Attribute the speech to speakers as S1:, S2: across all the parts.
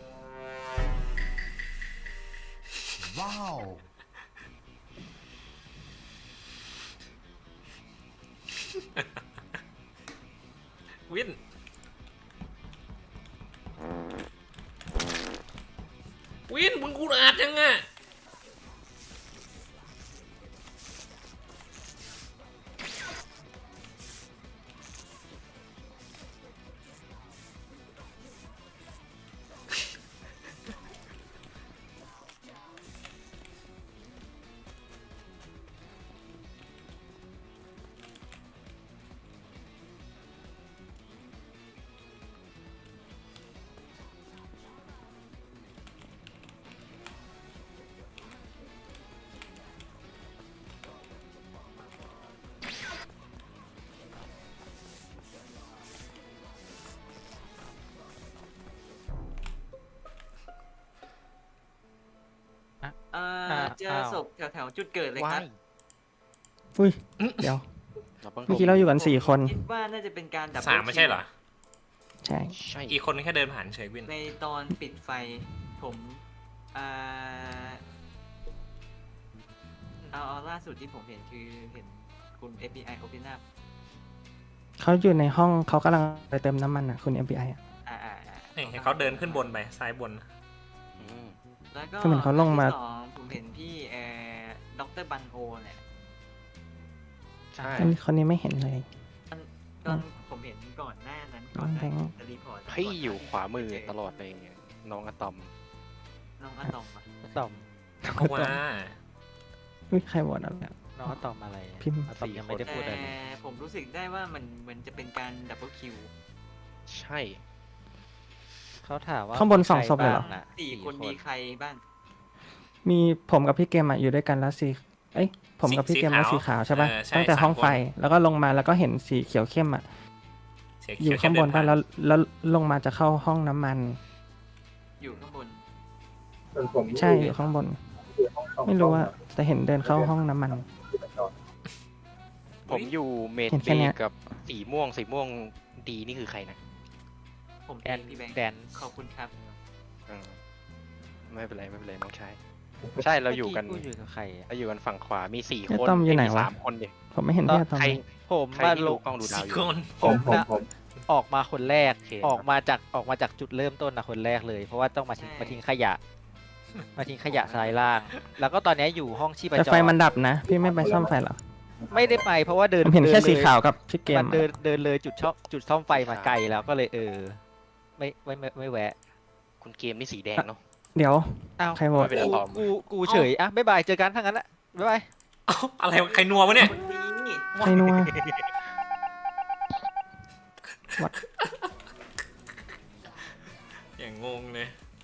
S1: ว้าว
S2: วินวินมึงกูอาดยังอ่ะ
S3: เจอศพแถวๆจุดเกิดเลยครับ
S4: อุ้ยเดี๋ยวเมื่อกี้เราอยู่กัน4 คน
S3: คิดว่าน่าจะเป็นการดับ
S2: 3ไม่ใช่เหรอ
S4: ใช่
S2: อีกคนนึงแค่เดินผ่านเฉยวิน
S3: ในตอนปิดไฟผมเอาล่าสุดที่ผมเห็นคือเห็นคุณ FBI Open Up
S4: เขาอยู่ในห้องเขากำลังไปเติมน้ำมันอ่ะคุณ FBI อ่ะ
S2: นี่เห็นเขาเดินขึ้นบนไปซ้ายบน
S3: แล้วก็
S4: ก็เหมือนเขาลงมา
S3: ที่สองผมเห็นพี่ดรบันโอเนี่ย
S5: ใช่
S4: คนนี้ไม่เห็นเลย
S3: ตอนผมเห็นก่อนหน้านั้นก่อนหน้าที่จะรีพอร์ต
S5: พี่อยู่ขวามือตลอดเลยน้องอะตอม
S3: น้องอะตอมอะ
S6: ตอม
S2: เพราะว่า
S4: อุ้ยใครโหวตอะไรอะ
S6: น้องตอมอะไร
S4: พิมพ์
S6: ตอมยังไม่ได้พูดอะไรเลย
S3: ผมรู้สึกได้ว่ามันเหมือนจะเป็นการดับเบิลคิว
S5: ใช่
S6: เขาถามว่า
S4: ข้างบน2 ศพเลยเหรอ
S6: ใคบ้างน่ะ
S3: สี่คนมีใครบ้าง
S4: มีผมกับพี่เกมอ่ะอยู่ด้วยกันแล้วเอ้ยผมกับพี่เกมแล้วสีขาวใช่ป่ะตั้งแต่ห้องไฟแล้วก็ลงมาแล้วก็เห็นสีเขียวเข้มอ่ะ
S2: เสี
S4: อยู่
S2: เขี
S4: ข้างบน
S2: เดิ
S4: ป่ะ
S2: ผ่
S4: แล้วลงมาจะเข้าห้องน้ำมัน
S3: อยู่ข้างบน
S4: ใช่อยู่ข้างบน ไม่รู้ว่าแต่เห็นเดินเข้าห้องน้ำมัน
S5: ผมอยู่เมด
S4: เห็น
S5: เบ
S4: แค่เนี้ย
S5: กับสีม่วงดีนี่คือใครนะ
S3: ผม
S6: แด
S3: เอน งพี่แบงค์
S6: แดน
S3: ขอบคุณครับ
S5: เออไม่เป็นไรน้องชายใช่เราอยู่กัน
S6: พูดอยู่กับใครอะ
S5: เราอยู่กันฝั่งขวามี4
S4: แล้ว
S5: คน
S4: ต้อมอยู่ไหน
S5: มี
S4: วะ
S5: 3 คนดิ
S4: ผมไม่เห็นพี่อะตอม
S5: ใคร
S4: เลย
S6: ผม
S5: ใคร
S6: มา
S5: ที่
S6: ล
S5: ดู
S6: ง
S5: กล้องดูดาว
S2: สี่
S5: อยู่
S2: คน
S6: ออกมาคนแรก
S5: โอเค
S6: ออกมาจากจุดเริ่มต้นนะคนแรกเลย เพราะว่าต้องมาทิ้งขยะ มาทิ้งขยะซ้ายล่าง แล้วก็ตอนนี้อยู่ห้องชีพ
S4: แต่
S6: จ
S4: ไฟ
S6: ร
S4: มันดับนะ พี่ไม่ไปซ่อมไฟเหรอ
S6: ไม่ได้ไปเพราะว่าเดิน
S4: ผมเห็นแค่
S6: ดิลย
S4: สีขาวกับพี่เกม
S6: มัน
S4: อะ
S6: เดินเลยจุดซ่อมไฟมาไกลแล้วก็เลยไม่แวะ
S5: คุณเกมนี่สีแดงเนาะ
S4: เดี๋ยว
S6: อ้าว
S4: ใครโหวต
S5: ไม่เป็นไรตอม
S6: กูเฉยอ่ะบ๊ายบายเจอกันทั้งนั้นแหละบ๊ายบาย
S2: เอ้าอะไรวะใครนัววะเนี่ย
S3: คนนี้
S4: ใครนัว
S2: อย่างงงเลย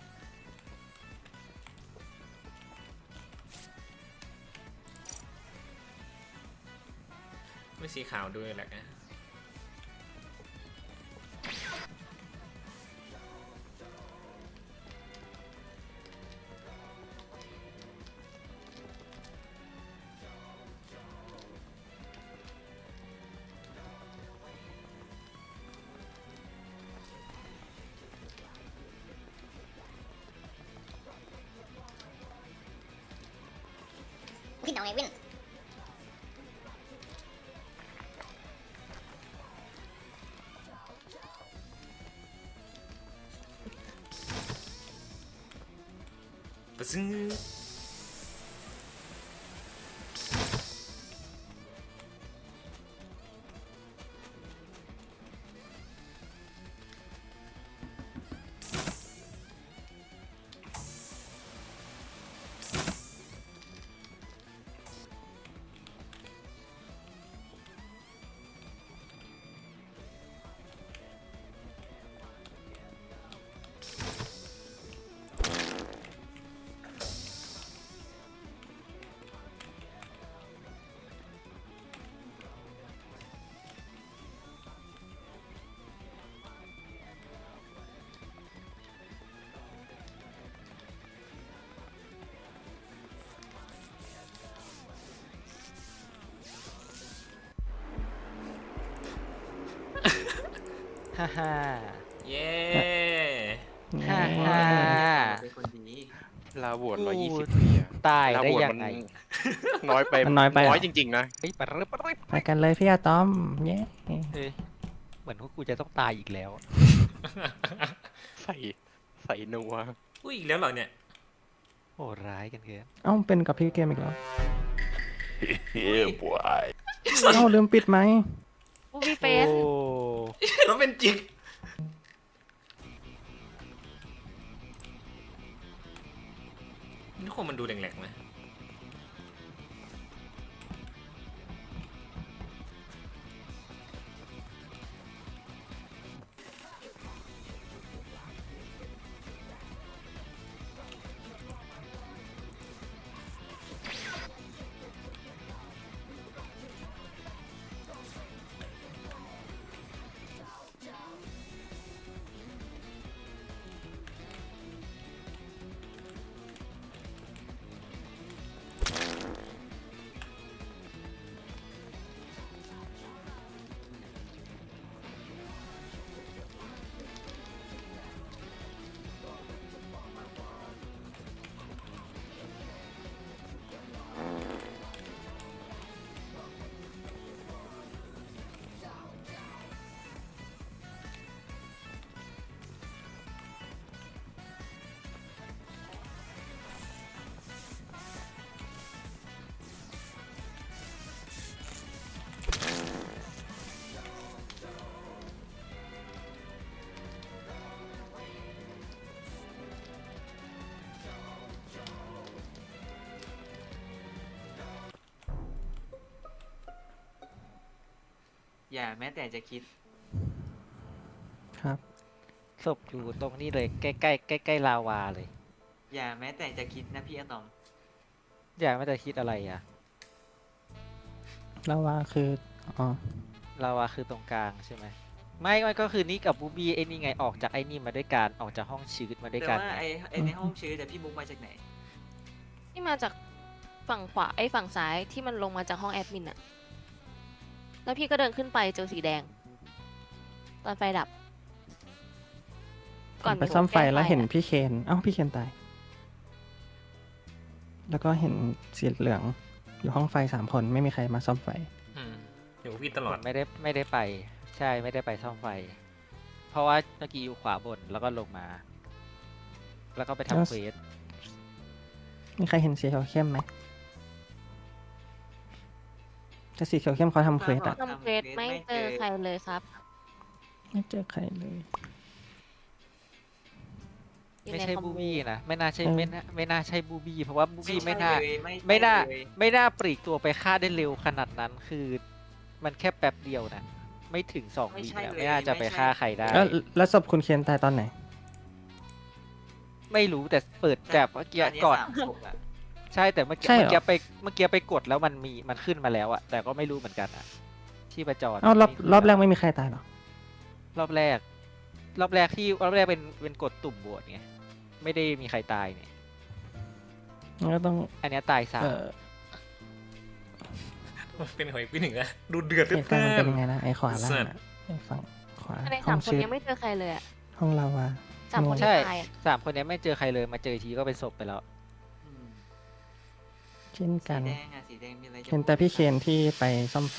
S2: ไม่สีขาวด้วยแหละ
S7: พี่เอาไงวิน
S2: ปะซึ้ง
S6: ฮ่าฮ่า
S2: เย้
S6: ฮ่า
S4: นี่
S6: ฮ่า
S3: เป็นคนดี
S5: ลาโหวต
S6: กู
S5: 120ปีอะ
S6: ตาย
S5: ลา
S6: ได้
S5: โหวต
S6: ยัง
S5: มัน
S6: ไง
S5: น้อยไป
S4: มันน้อยไปเหรอ
S5: น้อยจริงๆนะ
S6: เฮ้ยปะรึปะรึ
S4: ไปกันเลยพี่อาตอมเย้
S6: เฮ้ยเหมือนพวกกูจะต้องตายอีกแล้ว
S5: ใส่นัว
S2: อุ้ยอีกแล้วเหรอเนี่ย
S6: โหดร้ายกันเกิน
S4: เอ้าเป็นกับพี่เกมอีกแล้ว
S5: Yeah boy
S4: เอ้าลืมปิดไหมค์
S1: บูบี้เฟ
S6: โอ้
S1: ส
S2: แล้วเป็นจริงนี่คนมันดูแหลกๆไหม
S3: อย่าแม้แต่จะคิด
S4: ครับ
S6: ศพอยู่ตรงนี้เลยใกล้ใกล้ใกล้ใกล้ๆลาวาเลย
S3: อย่าแม้แต่จะคิดนะพี่อะตอม
S6: อยากไม่ได้คิดอะไรอ่ะ
S4: แล้วว่าคืออ๋อ
S6: ลาวาคือตรงกลางใช่ไหมไม่ก็คือนี่กับบูบี้ไอ้นี่ไงออกจากไอ้นี่มาด้วยกันออกจากห้องชืดมาด้วย
S3: แต่
S6: กัน
S3: ว่า
S6: ไง
S3: ไอ้ในห้องชื้อแต่พี่มุกมาจากไหน
S1: ที่มาจากฝั่งขวาฝั่งซ้ายที่มันลงมาจากห้องแอดมินอะแล้วพี่ก็เดินขึ้นไปเจอสีแดง ตอนไฟดับ
S4: ผมไปซ่อมไฟแล้วเห็นพี่เคนเอ้าพี่เคนตาย แล้วก็เห็นสีเหลืองอยู่ห้องไฟ3 คนไม่มีใครมาซ่อมไฟ
S2: อืมอยู่กับพี่ตลอ
S6: ผ
S2: ด
S6: มไม่ได้ไป ใช่ไม่ได้ไปซ่อมไฟ เพราะว่าเมื่อกี้อยู่ขวาบนแล้วก็ลงมา แล้วก็ไป
S4: แล้ว
S6: ทำเควส
S4: มีใครเห็นสีเขียวเข้มไหมแต่สีเขียวเข้มเขาทำเควสอะ
S1: ทำเควสไม่เจอใครเลยครับ
S4: ไม่เจอใครเลย
S1: อยู่
S6: ไม่
S1: ใน
S6: ใช่
S1: คอ
S6: บู
S1: โ
S6: บี้นะไม่น่าใช่
S4: เออ
S6: ไม่น่าใช่บูบี้เพราะว่าบูบี้ไม่น่า
S3: เลย
S6: ไม่น่า
S3: เลย
S6: ไม่น่าปลีกตัวไปฆ่าได้เร็วขนาดนั้นคือ มันแค่แป๊บเดียวนะไม่ถึง2 วินะไม่น่าจะไปฆ่าใครได้
S4: แล้วศพคุณเคนตายตอนไหน
S6: ไม่รู้แต่เปิดแบบเมื่อกี้ก่อน
S3: สามศพอะ
S6: ใช่แต่เมื่อกี้
S4: ใช่เหรอ
S6: เมื่อกี้ไปกดแล้วมันขึ้นมาแล้วอะแต่ก็ไม่รู้เหมือนกันอะที่ประจร
S4: เอ้ารอบ
S6: ไม่ขึ้น
S4: รอบแรกไม่มีใครตายหรอ
S6: รอบแรกเป็นกดตุ่มบวชไงไม่ได้มีใครตายเนี่ย
S4: งั้นก็ต้อง
S6: อันเนี้ยตายสาม
S2: เป็นหอยพี่หนึ่งอะดูเดือด
S4: เหตุการณ์มันเป็นยังไงนะไอ้ขวาล่าง
S2: เสิร์ช
S4: อะไอ้ฝั่งขวา
S1: ใน
S4: ห้
S1: สา
S4: อ
S1: ม
S4: ง
S1: คน
S4: ชืด
S1: ยังไม่เจอใครเลยอะ
S4: ห้องลาวา
S1: 3 คน
S6: ใช่
S1: ที่ตายอะ
S6: 3 คนเนี้ยไม่เจอใครเลยมาเจออีกทีก็เป็นศพไปแล้ว
S3: อืม
S4: เช่นกัน
S3: สีแดงอะสีแดงมีอะไรจะ
S4: เห็นแต่พี่เคนที่ไปซ่อมไฟ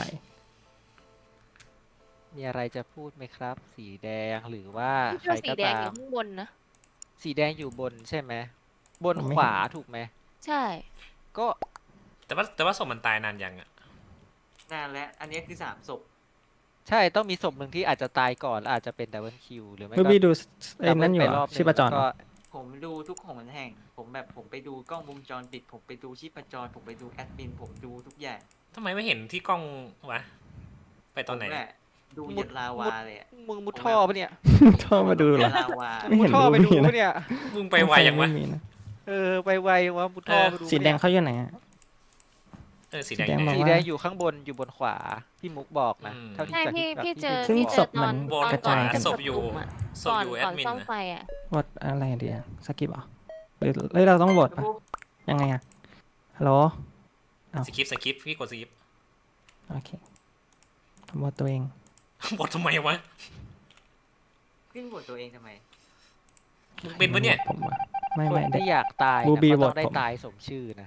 S6: มีอะไรจะพูดไหมครับ สีแดงหรือว่า
S1: พี่
S6: ใค
S1: เจ
S6: ร
S1: อสี
S6: ก็
S1: แดง
S6: ตา
S1: อ
S6: ม
S1: ยู่ข้างบนนะ
S6: สีแดงอยู่บนใช่ไหมบน
S4: ผมไม่
S6: ขวา
S4: เห็น
S6: ถูกไหม
S1: ใช่
S6: ก็
S2: แต่ว่าศพมันตายนานยังอะ
S3: นานแล้วอันนี้คือ3ศพ
S6: ใช่ต้องมีศพหนึ่งที่อาจจะตายก่อนแล้วอาจจะเป็นดับเบิลคิวหรือไม่
S4: รู
S6: ก็
S4: บี้ดูไอ้
S6: ดับเบิ
S4: นั่
S6: ล
S4: นอยู่
S6: ไป
S4: เหร
S6: ร
S4: อ
S6: อบหนึ่ง
S4: ชีพจร
S6: แล้ว
S4: เหร
S6: ก็
S4: อ
S3: ผมดูทุกของแห่ง ผมไปดูกล้องวงจรปิด ผมไปดูชีพจร ผมไปดูแอดมิน ผมดูทุกอย่าง
S2: ทำไมไม่เห็นที่กล้องวะ ไปตอนไหน
S3: ผมแหละดูเหยันลาวาเลยอะ
S6: มึงมุดท่อปะเนี่ย
S4: โทรมาดูเหรอ
S3: ยันลาวา
S4: ไม่
S6: มุ
S4: เห็
S6: ด
S4: น
S6: ท่อไป
S4: รู
S6: ดู
S4: บี้นะ
S6: ปะเนี่ย
S2: มึงไปไวอย่างวะ
S4: ไม่มีนะ
S6: ไปไววะมุดท่อไปดูปะ
S4: สีแดงเขาอยู่ไหนอะ
S2: สีแดง
S4: สีแดง
S2: ไหน
S4: บอก
S6: สี
S4: ว่า
S6: แดงอยู่ข้างบนอยู่บนขวาพี่มุกบอกนะ
S2: อืม
S6: เท่าที่
S1: ใช่
S6: จาก
S1: พี่
S6: ที่
S1: พี่เจอ
S4: ซึ่ง
S1: พี่
S4: ศ
S1: เจอ
S4: พ
S1: ตอน
S4: มัน
S2: บน
S1: ตอน
S2: กระ
S1: ก่อ
S2: จาน ย
S1: จะ
S2: ศพอยู่
S1: ประชุมอะ
S2: ศพอยู่แอ
S1: ก่อ
S2: ด
S1: น
S2: มิน
S1: ซ่อม
S2: นะ
S1: ไฟอะ
S4: วอดอะไรเดียวสกิปเหรอหรือเราต้องโหวตปะยังไงอะฮัลโหล อ้าว
S2: สกิปพี่กดสกิป
S4: โอเคผมโหวตตัวเอง
S2: บอททำไมวะ
S3: ขึ้นบทตัวเองทำไม
S2: มึงเป็นปะเนี่ย
S4: ผมว่าไม่
S6: คน
S4: ไม่ได้
S6: ที่อยากตาย
S4: บู
S6: นะ
S4: บี
S6: ก็
S4: โหว
S6: ต้อ
S4: ต
S6: งได้
S4: ผม
S6: ตายสมชื่อนะ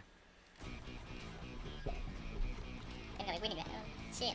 S7: เป็นกับไอ้วินอีกแล้วเชี่ย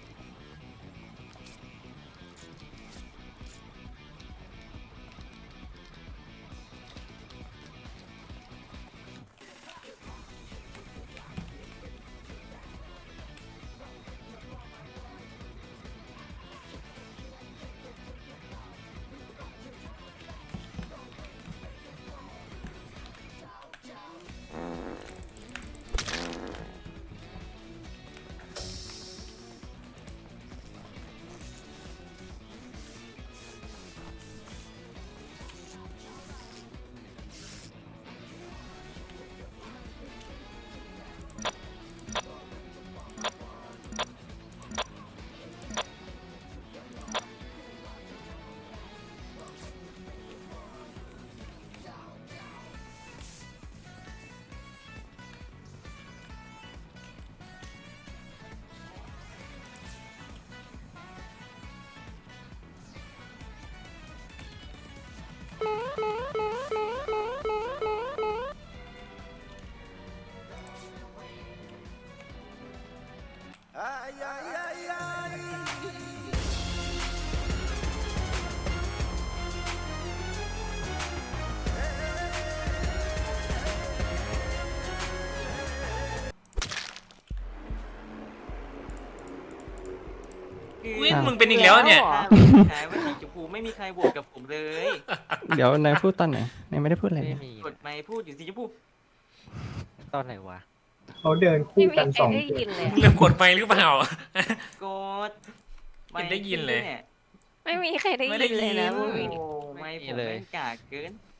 S2: วินมึงเป็นอีกแล้วเนี่ย
S3: ใช่ว่าสีชมพูไม่มีใครโหวตกับผมเลย
S4: เดี๋ยวนายพูดตอนไหนนายไม่ได้พูดอะไร
S6: ไม่
S4: เลย
S6: มี
S3: กดไมค์พูดอยู่สีชมพู
S6: ตอนไหนวะ
S8: เขาเดิน
S1: ไม่
S8: คู่
S1: มี
S8: กัน
S1: ใคร
S8: สอง
S1: ได้
S8: จุด
S1: ยินเลย
S2: มึงเริ่มกดไปหรือเปล่า
S3: กด
S2: ไม่ได้ยินเลย
S3: นี่
S1: ไม่มีใครได้
S2: ไม่ได้
S1: ยินเลยนะ
S2: ยิน
S1: บู
S3: โอ้
S1: บี
S3: โหไม่ผม
S6: เลย
S3: แม่งกากเกิน